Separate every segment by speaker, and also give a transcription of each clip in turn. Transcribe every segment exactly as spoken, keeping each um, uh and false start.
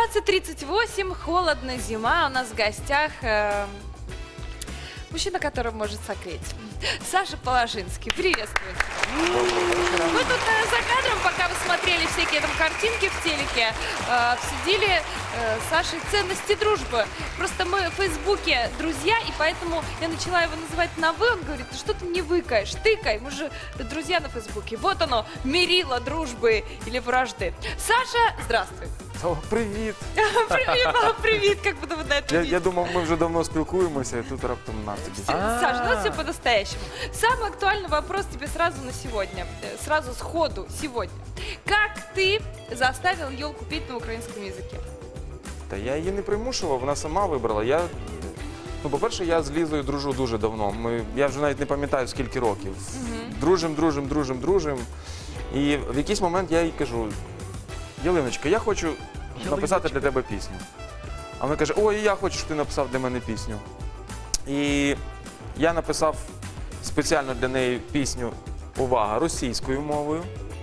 Speaker 1: семнадцать тридцать восемь, холодно, зима. У нас в гостях э, мужчина, который может согреть. Саша Положинский. Приветствую. Мы тут э, за кадром, пока вы смотрели всякие там картинки в телеке, э, обсудили э, с Сашей ценности дружбы. Просто мы в Фейсбуке друзья, и поэтому я начала его называть на «вы». Он говорит: ты что ты не выкаешь, тыкай, мы же друзья на Фейсбуке. Вот оно, мерило дружбы или вражды. Саша, здравствуй.
Speaker 2: О, привіт!
Speaker 1: Привет, мама, привет, как будто вы на это
Speaker 2: Я,
Speaker 1: видите.
Speaker 2: я думав, ми вже давно спілкуємося, і тут раптом на тобі.
Speaker 1: Саша, ну все по-настоящему. Самый актуальный вопрос тебе сразу на сегодня, э, сразу сходу сегодня. Как ты заставил елку петь на украинском языке?
Speaker 2: Та я її не примушував, вона сама вибрала. Я, ну, по-перше, я з Лізою дружу дуже давно. Ми, я вже навіть не пам'ятаю, скільки років. Дружим, дружим, дружим, дружим. І в якийсь момент я їй кажу: Ялиночка, я хочу написати для тебе пісню. А вона каже: ой, я хочу, щоб ти написав для мене пісню. І я написав спеціально для неї пісню, увага, російською мовою.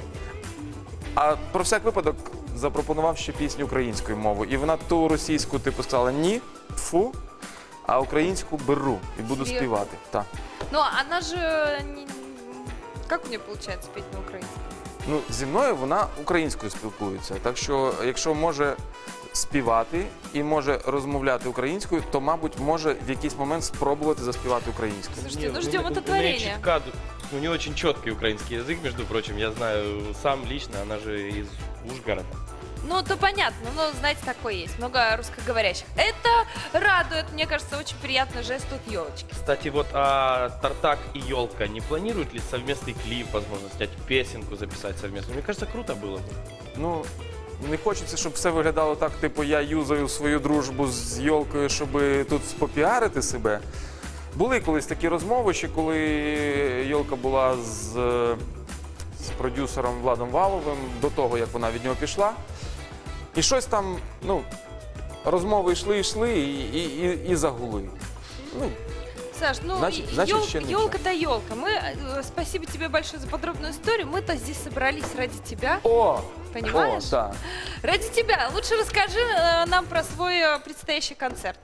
Speaker 2: А про всяк випадок запропонував ще пісню українською мовою. І вона ту російську типу сказала: ні, фу, а українську беру і буду
Speaker 1: Серйозно?
Speaker 2: співати. Так.
Speaker 1: Ну, она же... не- Как у нее получается петь на украинском?
Speaker 2: Ну, зі мною вона українською спілкується. Так що, якщо може співати і може розмовляти українською, то, мабуть, може в якийсь момент спробувати заспівати українською.
Speaker 1: Слушайте,
Speaker 3: Не,
Speaker 1: ну
Speaker 3: у-
Speaker 1: ждем
Speaker 3: у-
Speaker 1: это
Speaker 3: у нее
Speaker 1: творение.
Speaker 3: чутка, у нее очень четкий украинский язык, между прочим. Я знаю сам лично, она же из Ужгорода.
Speaker 1: Ну, то понятно, но, знаете, такое есть, много русскоговорящих. Это радует, мне кажется, очень приятный жест от елочки.
Speaker 3: Кстати, вот а Тартак и Елка не планируют ли совместный клип, возможно, снять песенку, записать совместно? Мне кажется, круто было бы.
Speaker 2: Ну, не хочеться, щоб все виглядало так, типу, я юзаю свою дружбу з Йолкою, щоб тут попіарити себе. Були колись такі розмови, ще коли Йолка була з, з продюсером Владом Валовим, до того, як вона від нього пішла. І щось там, ну, розмови йшли, йшли і, і, і, і загули. Ну,
Speaker 1: Саш, ну,
Speaker 2: Значит- значит, еще не
Speaker 1: елка да елка. Мы, э, спасибо тебе большое за подробную историю. Мы-то здесь собрались ради тебя,
Speaker 2: о!
Speaker 1: понимаешь?
Speaker 2: О, так.
Speaker 1: Ради тебя. Лучше расскажи э, нам про свой э, предстоящий концерт.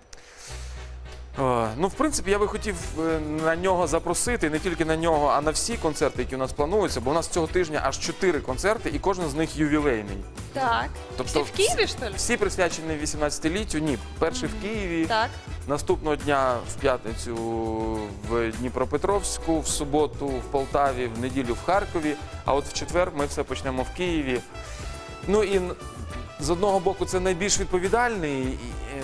Speaker 2: О, ну, в принципі, я би хотів е, на нього запросити, не тільки на нього, а на всі концерти, які у нас плануються, бо у нас цього тижня аж чотири концерти, і кожен з них ювілейний.
Speaker 1: Так.
Speaker 2: Тобто
Speaker 1: Все в Киеве, что ли?
Speaker 2: Всі присвячені вісімнадцятиліттю, ні. Перший в Києві,
Speaker 1: Так.
Speaker 2: наступного дня в п'ятницю в Дніпропетровську, в суботу в Полтаві, в неділю в Харкові, а от в четвер ми все почнемо в Києві. Ну і н- з одного боку це найбільш відповідальний, і,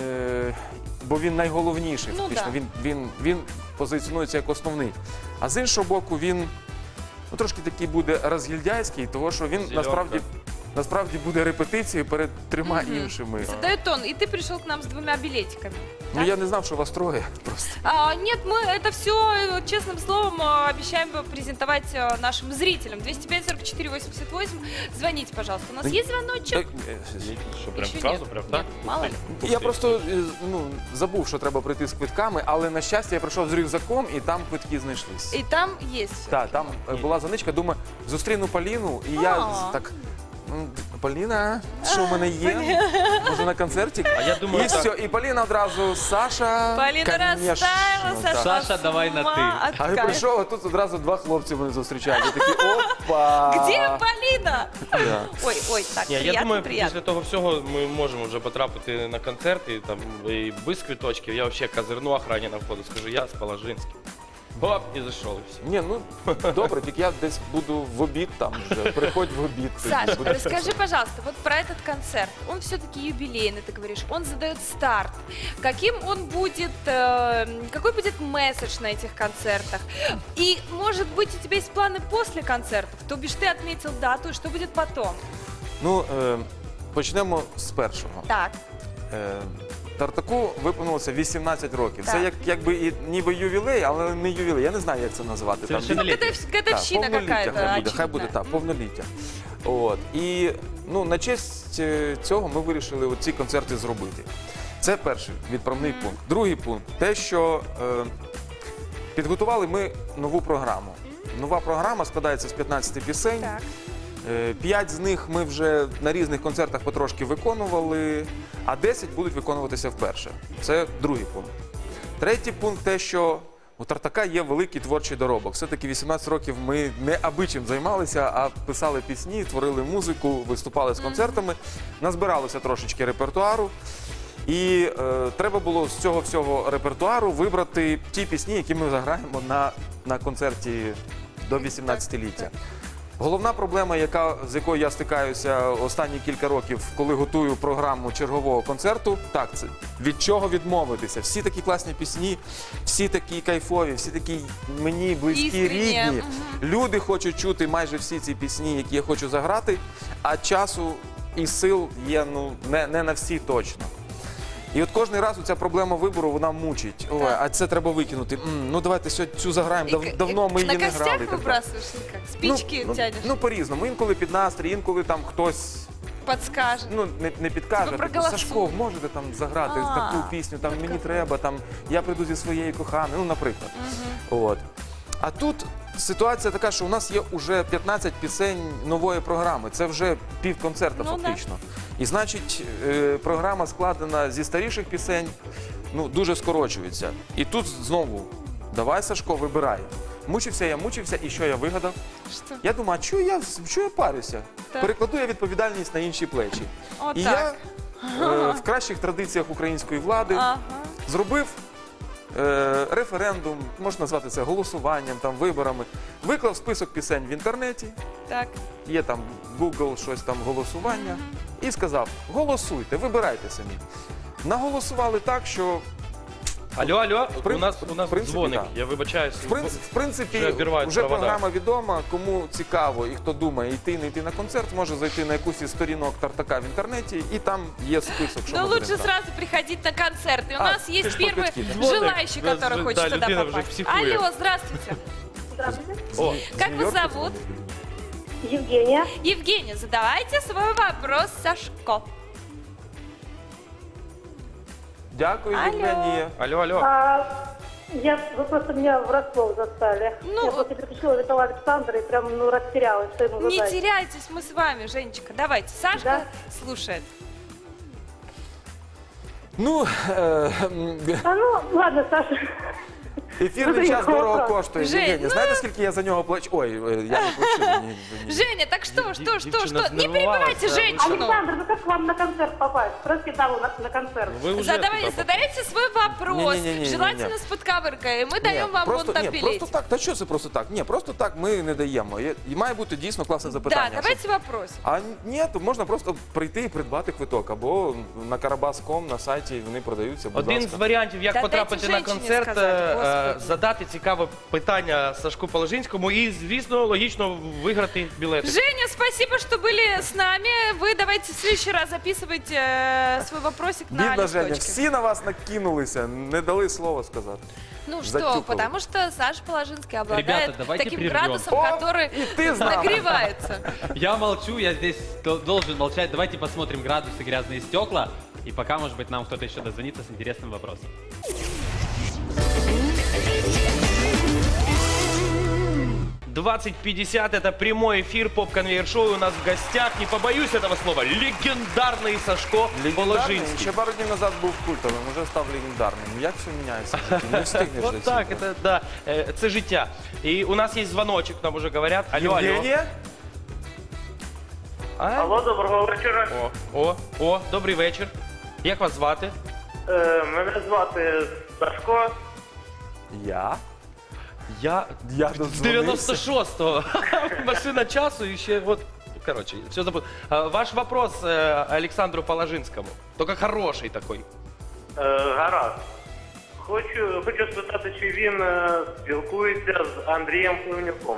Speaker 2: е, бо він найголовніший,
Speaker 1: Ну,
Speaker 2: фактично.
Speaker 1: да.
Speaker 2: Він, він, він позиціонується як основний. А з іншого боку, він ну, трошки такий буде розгільдяйський, тому що він
Speaker 3: Зеленка.
Speaker 2: насправді, насправді буде репетицією перед трьома
Speaker 1: Мгм.
Speaker 2: іншими.
Speaker 1: Задает тон. И ты пришел к нам с двумя билетиками.
Speaker 2: Ну я не знав, що вас троє просто.
Speaker 1: А, нет, мы это все честным словом э, обещаем презентовать э, нашим зрителям. двести пять сорок четыре восемьдесят восемь. Звоните, пожалуйста. У нас
Speaker 2: Да-
Speaker 1: есть звоночек?
Speaker 2: Так, е,
Speaker 3: Что, прям
Speaker 1: Еще
Speaker 3: сразу,
Speaker 1: нет.
Speaker 3: прям
Speaker 1: Нет,
Speaker 3: так?
Speaker 1: мало ли.
Speaker 3: Ух
Speaker 2: Я
Speaker 3: ты.
Speaker 2: просто е, ну, забув, що треба прийти з квитками, але на щастя я прийшов з рюкзаком і там квитки знайшлись.
Speaker 1: И там есть всё.
Speaker 2: Так, там е, була заничка, думаю, зустріну Поліну, і я
Speaker 1: А.
Speaker 2: так. «М, Поліна, що в мене є? Може на концерті?
Speaker 3: А я думаю,
Speaker 2: І
Speaker 3: так.
Speaker 2: все, і Поліна одразу, Саша.
Speaker 1: Полина
Speaker 2: конечно,
Speaker 1: расставила,
Speaker 2: так.
Speaker 1: Саша,
Speaker 4: Саша, давай на ты.
Speaker 2: А я прийшов, а тут одразу два хлопці мене зустрічають. Я такий, опа!
Speaker 1: Где Полина?
Speaker 2: Да.
Speaker 1: Ой, ой, так,
Speaker 3: Ні,
Speaker 1: приятно,
Speaker 3: я думаю,
Speaker 1: приятно.
Speaker 3: після того всього ми можемо вже потрапити на концерти, там, і без квиточків. Я взагалі козирну охрані на входу, скажу, я з Положинським. Хоп, і зайшов, і все.
Speaker 2: Ні, ну добре, тільки я десь буду в обід там вже. Приходь в обід. тоді
Speaker 1: Саш,
Speaker 2: буде.
Speaker 1: расскажи, пожалуйста, вот про этот концерт. Он все-таки юбилейный, ты говоришь. Он задает старт. Каким он будет, э, какой будет месседж на этих концертах? И, может быть, у тебя есть планы после концертов? То бишь ты отметил дату, и что будет потом?
Speaker 2: Ну, е, почнемо з першого.
Speaker 1: Так,
Speaker 2: Е, Тартаку виповнилося вісімнадцять років. Це
Speaker 1: Так.
Speaker 2: як, якби і ніби ювілей, але не ювілей. Я не знаю, як це називати. Там,
Speaker 3: Совершенно
Speaker 2: від-
Speaker 3: летний.
Speaker 1: это
Speaker 2: Так,
Speaker 1: годовщина
Speaker 2: повноліття
Speaker 1: какая-то,
Speaker 2: хай буде, хай буде
Speaker 1: очевидно.
Speaker 2: так, повноліття. От. І ну, на честь е, цього ми вирішили ці концерти зробити. Це перший відправний
Speaker 1: Мгм.
Speaker 2: пункт. Другий пункт те, що е, підготували ми нову програму. Нова програма складається з п'ятнадцяти пісень.
Speaker 1: Так.
Speaker 2: Е, П'ять з них ми вже на різних концертах потрошки виконували, а десять будуть виконуватися вперше. Це другий пункт. Третій пункт те, що у Тартака є великий творчий доробок. Все-таки вісімнадцять років ми не аби чим займалися, а писали пісні, творили музику, виступали з концертами, назбиралося трошечки репертуару. І е, треба було з цього всього репертуару вибрати ті пісні, які ми заграємо на, на концерті до вісімнадцятиліття. Головна проблема, яка, з якою я стикаюся останні кілька років, коли готую програму чергового концерту, так, це від чого відмовитися. Всі такі класні пісні, всі такі кайфові, всі такі мені близькі,
Speaker 1: Іскренні.
Speaker 2: рідні.
Speaker 1: Мгм.
Speaker 2: Люди хочуть чути майже всі ці пісні, які я хочу заграти, а часу і сил є ну, не, не на всі точно. І от кожен раз ця проблема вибору, вона мучить. Ой,
Speaker 1: Так.
Speaker 2: а це треба викинути. М, ну давайте сьогодні цю заграємо, Дав,
Speaker 1: И к-
Speaker 2: давно
Speaker 1: и
Speaker 2: ми її
Speaker 1: на
Speaker 2: не грали.
Speaker 1: костях
Speaker 2: і так далі.
Speaker 1: выбрасываешь или как? Спички
Speaker 2: ну,
Speaker 1: тянешь?
Speaker 2: Ну, по-різному. Інколи під настрій, інколи там хтось
Speaker 1: Подскажет.
Speaker 2: ну, не, не підкаже.
Speaker 1: Типу,
Speaker 2: Типу,
Speaker 1: проголосуй.
Speaker 2: Сашко, можете там заграти
Speaker 1: А,
Speaker 2: таку пісню, там мені треба, там я прийду зі своєю коханою, ну, наприклад. От. А тут ситуація така, що у нас є вже п'ятнадцять пісень нової програми. Це вже півконцерта
Speaker 1: Ну,
Speaker 2: фактично. І значить, е, програма складена зі старіших пісень, ну, дуже скорочується. І тут знову, давай, Сашко, вибирай. Мучився я, мучився, і що я вигадав?
Speaker 1: Что?
Speaker 2: Я думаю, а чого я, чого я парюся?
Speaker 1: Так.
Speaker 2: Перекладу я відповідальність на інші плечі.
Speaker 1: От
Speaker 2: І
Speaker 1: так.
Speaker 2: я е, в кращих традиціях української влади
Speaker 1: Ага.
Speaker 2: зробив е, референдум, можна назвати це голосуванням, там, виборами, виклав список пісень в інтернеті,
Speaker 1: Так.
Speaker 2: є там Google, щось там голосування, і сказав, голосуйте, вибирайте самі. Наголосували так, що
Speaker 3: Алло, алло,
Speaker 2: При-
Speaker 3: у нас, у нас
Speaker 2: в принципі,
Speaker 3: дзвоник,
Speaker 2: да.
Speaker 3: я вибачаюсь.
Speaker 2: в принципі, в принципі
Speaker 3: Вже обірвають
Speaker 2: вже
Speaker 3: провода.
Speaker 2: програма відома, кому цікаво і хто думає йти, не йти на концерт, може зайти на якусь із сторінок Тартака в інтернеті, і там є список, що
Speaker 1: Но
Speaker 2: ми
Speaker 1: лучше
Speaker 2: будемо грати.
Speaker 1: сразу приходить на концерт. И у
Speaker 2: А,
Speaker 1: нас
Speaker 2: ты
Speaker 1: есть
Speaker 2: ж
Speaker 1: первый
Speaker 2: по-людски, да?
Speaker 1: желающий,
Speaker 3: Звоник.
Speaker 1: который
Speaker 3: Да,
Speaker 1: хочет
Speaker 3: да,
Speaker 1: туда
Speaker 3: людина уже
Speaker 1: попасть.
Speaker 3: психует.
Speaker 1: Алло, здравствуйте.
Speaker 4: Здравствуйте.
Speaker 3: О,
Speaker 1: Как
Speaker 2: З
Speaker 1: вас
Speaker 2: Нью-Йорка
Speaker 1: зовут?
Speaker 4: Евгения.
Speaker 1: Евгения, задавайте свой вопрос Сашко.
Speaker 2: Дякую,
Speaker 1: Алло.
Speaker 2: Євгенія.
Speaker 3: алло, алло.
Speaker 4: А, я, вы просто меня врасплох застали.
Speaker 1: Ну,
Speaker 4: я просто переключила Витала Александра и прям ну, растерялась, что ему
Speaker 1: Не
Speaker 4: задать.
Speaker 1: теряйтесь, мы с вами, Женечка. Давайте, Сашка
Speaker 4: Да.
Speaker 1: слушает.
Speaker 2: Ну, е, м,
Speaker 4: А ну, ладно, Саша.
Speaker 2: ефірний
Speaker 4: Ну,
Speaker 2: час
Speaker 4: якого
Speaker 2: дорого
Speaker 4: правда?
Speaker 2: коштує.
Speaker 1: Жень,
Speaker 2: Євгенія,
Speaker 1: ну-
Speaker 2: знаєте, скільки я за нього плачу? Ой, е, я не плачу. Ні, ні.
Speaker 1: Женя, так что, что, что,
Speaker 3: девчина
Speaker 1: что? Не
Speaker 3: знервовалась,
Speaker 1: перебивайте
Speaker 3: да, вы
Speaker 1: женщину.
Speaker 4: Александр, ну как к вам на концерт попасть? Спросите даму на, на концерт.
Speaker 3: Ви вже
Speaker 1: Задавайте,
Speaker 3: туди
Speaker 1: задавайте свой вопрос.
Speaker 2: Не-не-не-не-не-не.
Speaker 1: Желательно с подковыркой. И мы даем
Speaker 2: Ні,
Speaker 1: вам
Speaker 2: просто,
Speaker 1: вон там
Speaker 2: ні,
Speaker 1: билетик.
Speaker 2: просто так. Та що це просто так? Ні, просто так ми не даємо. Є- І має бути дійсно класне запитання.
Speaker 1: Да, давайте вопрос.
Speaker 2: А ні, то можна просто прийти і придбати квиток. Або на карабас точка ком на сайті вони продаються. Будь
Speaker 3: Один з
Speaker 2: ласка.
Speaker 3: варіантів, як
Speaker 1: Та
Speaker 3: потрапити
Speaker 1: дайте
Speaker 3: на
Speaker 1: женщині
Speaker 3: концерт,
Speaker 1: сказати,
Speaker 3: е, е,
Speaker 1: Господи.
Speaker 3: задати цікаве питання Сашку Положинському і, звісно, логічно виграти білети.
Speaker 1: Женя, спасибо, что были с нами. Вы давайте в следующий раз записывайте э, свой вопросик на
Speaker 2: Бідна Женя,
Speaker 1: листочке.
Speaker 2: всі на вас накинулися, не дали слова сказати.
Speaker 1: Ну что,
Speaker 2: затюкал.
Speaker 1: потому что Саша Положинский обладает
Speaker 5: Ребята, давайте
Speaker 1: таким
Speaker 5: прервем.
Speaker 1: градусом,
Speaker 2: О,
Speaker 1: который
Speaker 2: и ты с нами.
Speaker 1: нагревается.
Speaker 5: Я молчу, я здесь дол- должен молчать. Давайте посмотрим градусы, грязные стекла. И пока, может быть, нам кто-то еще дозвонится с интересным вопросом.
Speaker 3: двадцать пятьдесят это прямой эфир поп-конвейер-шоу. У нас в гостях, не побоюсь этого слова, легендарный Сашко
Speaker 2: Легендарний,
Speaker 3: Положинський.
Speaker 2: ще пару днів назад був культовим, вже став легендарним. Як все міняється? Тільки Не встигнеш за
Speaker 3: Вот так,
Speaker 2: цим.
Speaker 3: это да, э, це життя. І у нас є дзвоночок, нам уже говорять. Алло, алло.
Speaker 2: Євгенія?
Speaker 3: А?
Speaker 6: Алло, доброго вечора.
Speaker 3: О, о, о, добрий вечір. Як вас звати?
Speaker 6: Е, мене звати Сашко.
Speaker 2: Я?
Speaker 3: Я
Speaker 2: Я
Speaker 3: з
Speaker 2: додзвонився.
Speaker 3: девяносто шостого. Машина часу і ще от. Короче, все забыл. А, Ваш вопрос э, Александру Положинскому. Только хороший такой.
Speaker 6: Е, гаразд. Хочу, хочу спитати, чи він е, спілкується з Андрієм Пливнюком.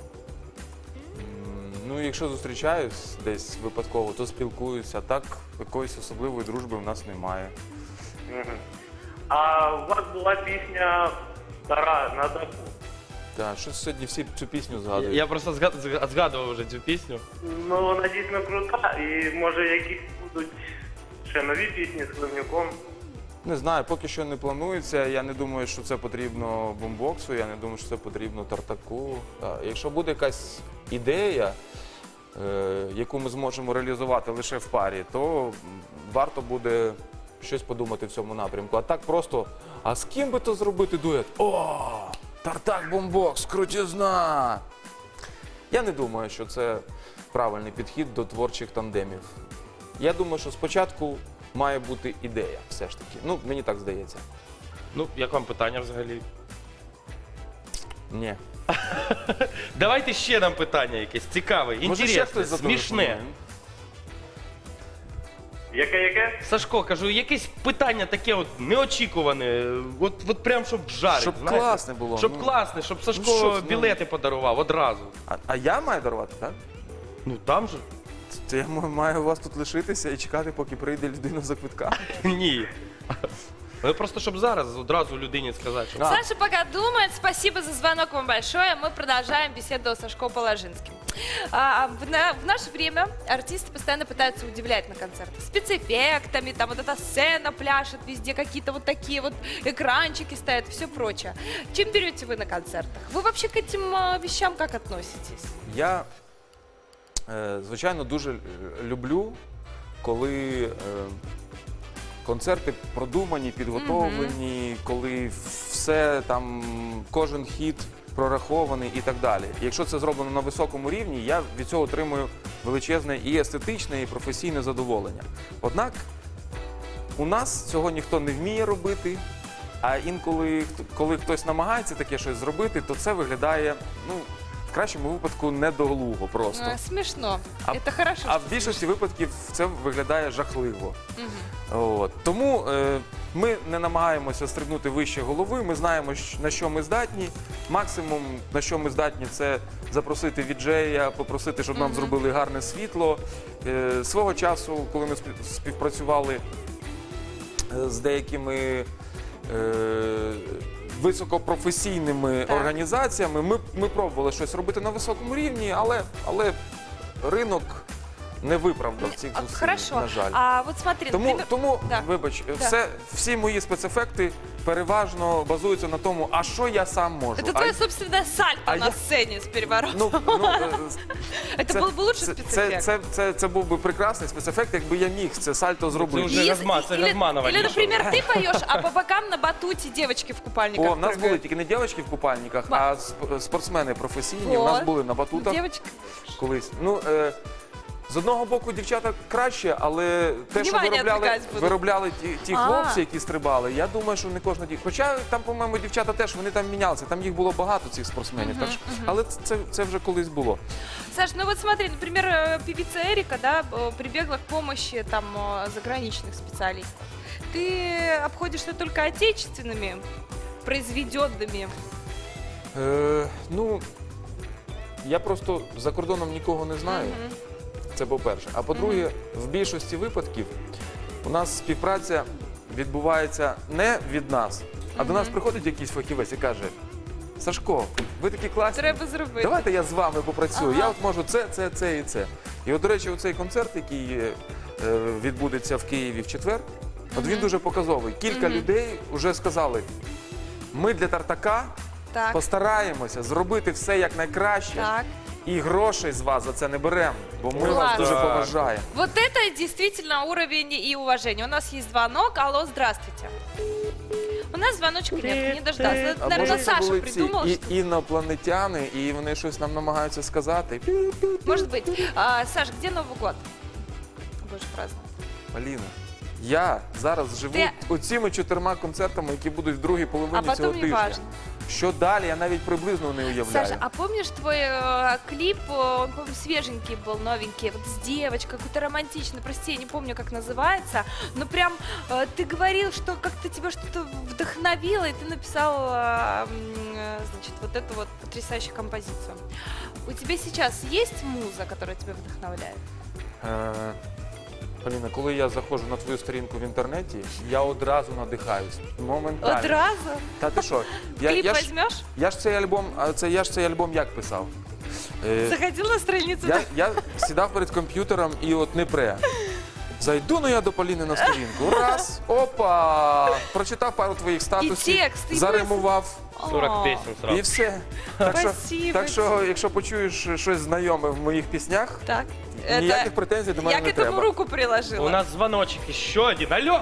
Speaker 2: М, Ну, якщо зустрічаюсь десь випадково, то спілкуюся. А так, якоїсь особливої дружби в нас немає.
Speaker 6: Мгм. А у вас була пісня стара на таку.
Speaker 2: Так, що сьогодні всі цю пісню
Speaker 3: Я,
Speaker 2: згадують?
Speaker 3: я просто зга- зга- згадував вже цю пісню.
Speaker 6: Ну, вона дійсно крута, і може якісь будуть ще нові пісні з Пливнюком.
Speaker 2: Не знаю, поки що не планується. Я не думаю, що це потрібно бумбоксу, я не думаю, що це потрібно Тартаку. Так, якщо буде якась ідея, е, яку ми зможемо реалізувати лише в парі, то варто буде щось подумати в цьому напрямку. А так просто, а з ким би то зробити дует? О, Тартак Бомбокс, крутізна! Я не думаю, що це правильний підхід до творчих тандемів. Я думаю, що спочатку має бути ідея, все ж таки. Ну, мені так здається.
Speaker 3: Ну, як вам питання взагалі?
Speaker 2: Ні.
Speaker 3: Давайте ще нам питання якесь цікаве,
Speaker 2: Може, ще хтось
Speaker 3: інтересне, смішне.
Speaker 2: зателефонує?
Speaker 6: Яке, яке?
Speaker 3: Сашко, кажу, якесь питання таке от неочікуване, от, от прям щоб жарить,
Speaker 2: Щоб
Speaker 3: знаєте?
Speaker 2: класне було,
Speaker 3: Щоб
Speaker 2: ну.
Speaker 3: класне, щоб Сашко
Speaker 2: Ну, що ж, ну.
Speaker 3: білети подарував одразу.
Speaker 2: А, а я маю дарувати, так?
Speaker 3: Ну там же?
Speaker 2: Це я м- маю у вас тут лишитися і чекати, поки прийде людина за квитка.
Speaker 3: Ні. Ну просто щоб зараз одразу людині сказати, що
Speaker 2: А.
Speaker 1: Саша пока думает. Спасибо за звонок вам большое. Мы продолжаем беседу с Сашко Положинским. А, в, на- в наше время артисты постоянно пытаются удивлять на концертах спецэффектами, там вот эта сцена пляшет, везде какие-то вот такие вот экранчики стоят и все прочее. Чем берете вы на концертах? Вы вообще к этим а, вещам как относитесь?
Speaker 2: Я, е, звичайно, дуже л- люблю, коли е, концерти продумані, підготовлені, коли все там, кожен хіт прорахований і так далі. Якщо це зроблено на високому рівні, я від цього отримую величезне і естетичне, і професійне задоволення. Однак у нас цього ніхто не вміє робити, а інколи, хто- коли хтось намагається таке щось зробити, то це виглядає, ну, в кращому випадку, недоглуго просто.
Speaker 1: А, смешно.
Speaker 2: А-
Speaker 1: Это хорошо.
Speaker 2: А
Speaker 1: что
Speaker 2: в більшості випадків це виглядає жахливо.
Speaker 1: Мгм.
Speaker 2: От. Тому е, ми не намагаємося стрибнути вище голови, ми знаємо, щ- на що ми здатні. Максимум, на що ми здатні, це запросити віджея, попросити, щоб нам зробили гарне світло. Е, свого часу, коли ми спів- співпрацювали е, з деякими е, високопрофесійними
Speaker 1: Так.
Speaker 2: організаціями, ми, ми пробували щось робити на високому рівні, але, але ринок не виправдав цих
Speaker 1: А,
Speaker 2: зусиль,
Speaker 1: Хорошо.
Speaker 2: на жаль.
Speaker 1: А вот смотри,
Speaker 2: Тому,
Speaker 1: например...
Speaker 2: тому
Speaker 1: Да.
Speaker 2: вибач,
Speaker 1: Да.
Speaker 2: все, всі мої спецефекти переважно базуються на тому, а що я сам можу.
Speaker 1: Это
Speaker 2: а,
Speaker 1: твое собственное сальто
Speaker 2: а
Speaker 1: на
Speaker 2: я-
Speaker 1: сцене с переворотом.
Speaker 2: ну, ну, е,
Speaker 1: Это
Speaker 2: це-
Speaker 1: был бы лучший
Speaker 2: це,
Speaker 1: спецэффект.
Speaker 2: це, це, це, це був би прекрасний спецефект, якби я міг це сальто зробити.
Speaker 3: вже
Speaker 1: И-
Speaker 3: Газма- це
Speaker 1: или,
Speaker 3: Газманова
Speaker 1: или,
Speaker 3: нічого.
Speaker 1: например, ты поешь, а по бокам на батуте девочки в купальниках
Speaker 2: О, в нас
Speaker 1: прыгают.
Speaker 2: були тільки не дівчатки в купальниках,
Speaker 1: Ба-
Speaker 2: а сп- спортсмени професійні. У
Speaker 1: О,
Speaker 2: нас були на батутах
Speaker 1: Девочка.
Speaker 2: колись. Ну, е, з одного боку, дівчата краще, але те, що
Speaker 1: Внимание
Speaker 2: виробляли,
Speaker 1: відвлекать будуть.
Speaker 2: виробляли ті, ті
Speaker 1: А.
Speaker 2: хлопці, які стрибали, я думаю, що не кожна дівчата. Хоча там, по-моєму, дівчата теж вони там мінялися, там їх було багато цих спортсменів. Так що, але це, це вже колись було.
Speaker 1: Саш, ну вот смотри, например, э, певица Эрика, да, э, прибегла к помощи там э, заграничных специалистов. Ты обходишься только отечественными, произведенными.
Speaker 2: Е, ну, я просто за кордоном нікого не знаю.
Speaker 1: Мгм.
Speaker 2: Це по-перше. А по-друге, в більшості випадків у нас співпраця відбувається не від нас, а до нас приходить якийсь фахівець і каже: Сашко, ви такі класні.
Speaker 1: Треба зробити.
Speaker 2: Давайте я з вами попрацюю.
Speaker 1: Ага.
Speaker 2: Я от можу це, це, це і це. І от, до речі, оцей концерт, який е, відбудеться в Києві в четвер, от він дуже показовий. Кілька людей вже сказали: ми для Тартака
Speaker 1: Так,
Speaker 2: постараємося зробити все як найкраще.
Speaker 1: так.
Speaker 2: І грошей з вас за це не беремо, бо ми
Speaker 1: Клас.
Speaker 2: вас дуже
Speaker 3: Так.
Speaker 2: поважаємо.
Speaker 1: Вот это действительно уровень и уважение. У нас есть звонок. Алло, здравствуйте. У нас звоночка нет, не дождался.
Speaker 2: А
Speaker 1: Наверное,
Speaker 2: може, це
Speaker 1: Саша
Speaker 2: були
Speaker 1: придумал.
Speaker 2: ці
Speaker 1: что-
Speaker 2: і, інопланетяни, і вони щось нам намагаються сказати.
Speaker 1: Может быть. А, Саш, где Новый год будешь праздновать?
Speaker 2: Аліна, я зараз живу
Speaker 1: Ти-
Speaker 2: оціми чотирма концертами, які будуть в другій половині
Speaker 1: А
Speaker 2: цього
Speaker 1: потом не
Speaker 2: тижня.
Speaker 1: важно.
Speaker 2: Що далі, я навіть приблизно не уявляю.
Speaker 1: Саша, а помнишь твой э, клип, э, он, по-моему, свеженький был, новенький, вот с девочкой, какой-то романтичный, прости, я не помню, как называется, но прям э, ты говорил, что как-то тебя что-то вдохновило, и ты написал, э, м, э, значит, вот эту вот потрясающую композицию. У тебя сейчас есть муза, которая тебя вдохновляет?
Speaker 2: Е, Поліна, коли я заходжу на твою сторінку в інтернеті, я одразу надихаюсь. Моментально.
Speaker 1: Одразу?
Speaker 2: Та ти що? Я,
Speaker 1: Клип
Speaker 2: я, ж,
Speaker 1: возьмешь?
Speaker 2: я ж цей альбом, а це я ж цей альбом як писав? Е,
Speaker 1: Заходил на страницу?
Speaker 2: Я, я сідав перед комп'ютером і от не пре. Зайду ну я до Поліни на сторінку. Раз, опа! Прочитав пару твоїх статусів,
Speaker 1: текст, і
Speaker 2: заримував.
Speaker 3: сорок песен
Speaker 2: І
Speaker 3: сразу.
Speaker 2: все. Так що,
Speaker 1: Спасибо
Speaker 2: так що, якщо почуєш щось знайоме в моїх піснях,
Speaker 1: Так.
Speaker 2: ніяких претензій до мене
Speaker 1: Я к
Speaker 2: не
Speaker 1: этому
Speaker 2: треба.
Speaker 1: руку приложила.
Speaker 3: У нас звоночек еще один. Алло!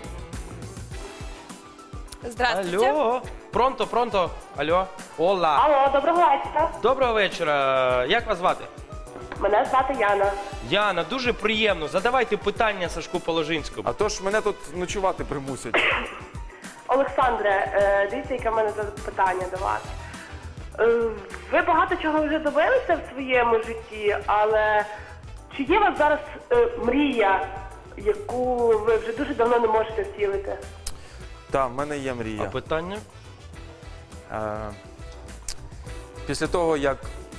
Speaker 1: Здравствуйте.
Speaker 3: Алло! Пронто, пронто. Алло. Ола.
Speaker 4: Алло, доброго вечора.
Speaker 3: Доброго вечора. Як вас звати?
Speaker 4: Мене звати Яна.
Speaker 3: Яна, дуже приємно. Задавайте питання Сашку Положинському.
Speaker 2: А то ж мене тут ночувати примусять.
Speaker 4: Олександре, е, дивіться, яке в мене запитання до вас. Е, Ви багато чого вже добилися в своєму житті, але чи є у вас зараз е, мрія, яку ви вже дуже давно не можете втілити?
Speaker 2: Так, в мене є
Speaker 3: А
Speaker 2: мрія.
Speaker 3: питання?
Speaker 2: Е, Після того, як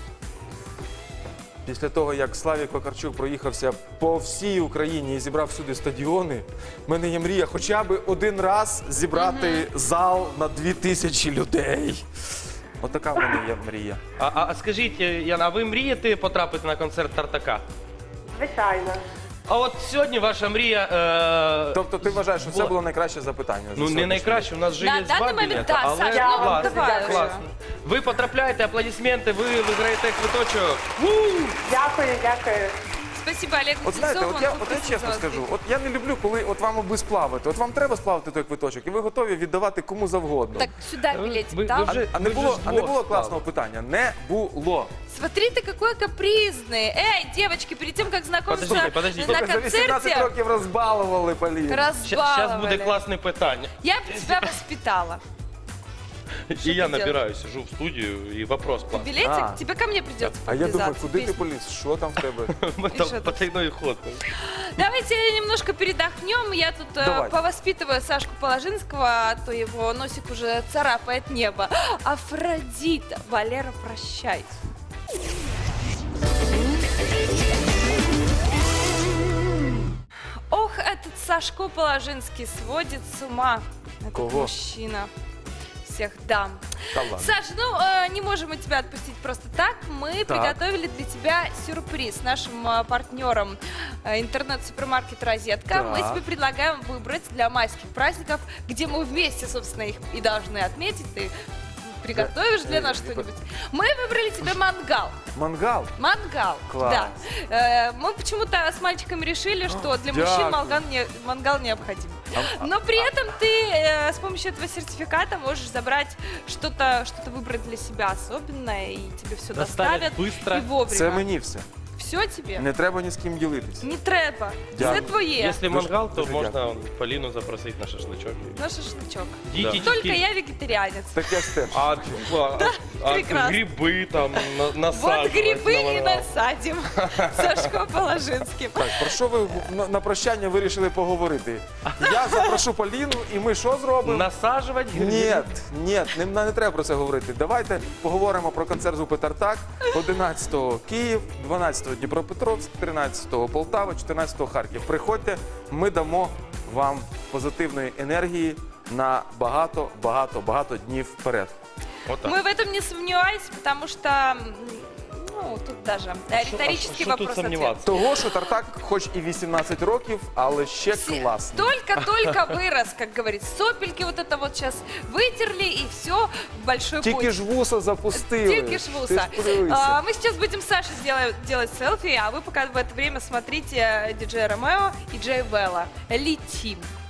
Speaker 2: Після того, як Славік Вакарчук проїхався по всій Україні і зібрав всюди стадіони, в мене є мрія хоча б один раз зібрати зал на дві тисячі людей. Отака в мене є мрія.
Speaker 3: А, а, а скажіть, Яна, а ви мрієте потрапити на концерт Тартака?
Speaker 4: Звичайно.
Speaker 3: А от сьогодні ваша мрія. Е...
Speaker 2: Тобто ти вважаєш, що це
Speaker 3: була-
Speaker 2: було найкраще запитання? за
Speaker 3: Ну, не
Speaker 2: сьогоднішній
Speaker 3: найкраще, у нас же
Speaker 1: На
Speaker 3: є
Speaker 1: даний
Speaker 3: два
Speaker 1: момент,
Speaker 3: білети,
Speaker 1: да,
Speaker 3: але
Speaker 1: Саш, ну,
Speaker 3: класно,
Speaker 1: давай вже.
Speaker 3: класно. Ви потрапляєте, аплодисменти, ви виграєте квиточок.
Speaker 4: Дякую, дякую.
Speaker 1: Спасибо, Олег
Speaker 2: От знаєте,
Speaker 1: Кузнецов,
Speaker 2: от я,
Speaker 1: он
Speaker 2: от я
Speaker 1: попросил
Speaker 2: чесно
Speaker 1: за вас
Speaker 2: скажу,
Speaker 1: прийти.
Speaker 2: от я не люблю, коли от вам аби сплавити. От вам треба сплавити той квиточок, і ви готові віддавати кому завгодно.
Speaker 1: Так, сюда
Speaker 3: Ви-
Speaker 1: билетик
Speaker 3: ви
Speaker 1: дам.
Speaker 3: вже-
Speaker 2: А не
Speaker 3: Ми
Speaker 2: було,
Speaker 3: ж
Speaker 2: а не
Speaker 3: двох
Speaker 2: було
Speaker 3: сплавили.
Speaker 2: класного питання? Не було.
Speaker 1: Смотри ты, какой капризный. Эй, девочки, перед тем, как знакомиться
Speaker 3: Подождите, подождите.
Speaker 1: на
Speaker 2: Слухай, за вісімнадцять
Speaker 1: концерте,
Speaker 2: років розбалували, Поліна.
Speaker 3: Зараз
Speaker 1: разбаловали.
Speaker 3: буде класне питання.
Speaker 1: Я бы тебя воспитала.
Speaker 3: І
Speaker 1: ти
Speaker 3: я
Speaker 1: делаєш?
Speaker 3: набираю, сижу в студію і вопрос класний.
Speaker 1: Билетик,
Speaker 2: А.
Speaker 1: тебе ко мне придется
Speaker 2: А я думаю,
Speaker 1: подвязаться.
Speaker 2: куди ти
Speaker 1: Песню.
Speaker 2: поліз? Що там в тебе?
Speaker 3: Ми
Speaker 1: І що
Speaker 3: там
Speaker 1: тут?
Speaker 3: потайной ход.
Speaker 1: Давайте немножко передохнем. Я тут э,
Speaker 2: Давайте.
Speaker 1: повоспитываю Сашку Положинского, а то его носик уже царапает небо. Афродита, Валера, прощай. Ох, этот Сашко Положинский сводит с ума. Этот
Speaker 2: Кого?
Speaker 1: мужчина. Всех дам.
Speaker 2: Та ладно.
Speaker 1: Саша, ну э, не можем мы тебя отпустить просто так. Мы
Speaker 2: Так.
Speaker 1: приготовили для тебя сюрприз нашим э, партнерам э, интернет-супермаркет «Розетка». Мы
Speaker 2: Так.
Speaker 1: тебе предлагаем выбрать для майских праздников, где мы вместе, собственно, их и должны отметить. Ты приготовишь для нас
Speaker 2: э,
Speaker 1: что-нибудь? Мы выбрали тебе мангал.
Speaker 2: Мангал?
Speaker 1: Мангал,
Speaker 2: Класс.
Speaker 1: да. Э, мы почему-то с мальчиками решили, что для мужчин
Speaker 2: дякую.
Speaker 1: мангал, не, мангал необходим.
Speaker 2: А-
Speaker 1: Но при этом ты э, с помощью этого сертификата можешь забрать что-то, что-то выбрать для себя особенное, и тебе все
Speaker 5: Доставят
Speaker 1: доставят
Speaker 5: быстро.
Speaker 1: и вовремя.
Speaker 2: Це мені все.
Speaker 1: Все тебе?
Speaker 2: Не треба ні з ким ділитись.
Speaker 1: Не треба.
Speaker 2: Дякую.
Speaker 1: Все твоє.
Speaker 3: Якщо
Speaker 2: Дуже-
Speaker 3: мангал, то
Speaker 2: дуже
Speaker 3: можна
Speaker 2: дякую.
Speaker 3: Поліну запросити на шашличок.
Speaker 1: На шашлычок.
Speaker 3: Дієтичний.
Speaker 1: Только я вегетарианец.
Speaker 2: Так я ж теж.
Speaker 3: А, а, а
Speaker 1: прекрасно.
Speaker 3: гриби там на,
Speaker 1: Вот
Speaker 3: насаджувати
Speaker 1: грибы
Speaker 3: на
Speaker 1: и
Speaker 3: мангал.
Speaker 1: насадим. Сашко Положинским.
Speaker 2: Так, про що ви на, на прощання вирішили поговорити? Я запрошу Поліну, і ми що зробимо?
Speaker 3: Насаджувати гриби?
Speaker 2: Ні, ні, не, не треба про це говорити. Давайте поговоримо про концерт групи Тартак. одинадцятого Київ, дванадцятого Дніпропетровськ, тринадцятого Полтава, чотирнадцятого Харків. Приходьте, ми дамо вам позитивної енергії на багато, багато, багато днів вперед.
Speaker 3: Отак.
Speaker 1: Мы в этом не сомневаемся, потому что, м, ну, тут даже э,
Speaker 3: Що-
Speaker 1: риторический
Speaker 3: а що тут
Speaker 1: вопрос-ответ.
Speaker 3: сомніватися?
Speaker 2: Того, що Тартак, хоч і вісімнадцять років, але ще
Speaker 1: Все-
Speaker 2: класний.
Speaker 1: Только-только вырос, как говорится. Сопельки вот это вот сейчас вытерли, и все в большой
Speaker 2: Тільки
Speaker 1: путь.
Speaker 2: ж вуса запустили.
Speaker 1: Тільки ж
Speaker 2: Ти
Speaker 1: вуса.
Speaker 2: ж подивися.
Speaker 1: А, мы сейчас будем с Сашей делать, делать селфи, а вы пока в это время смотрите диджея Ромео и Джей Белла. Летим.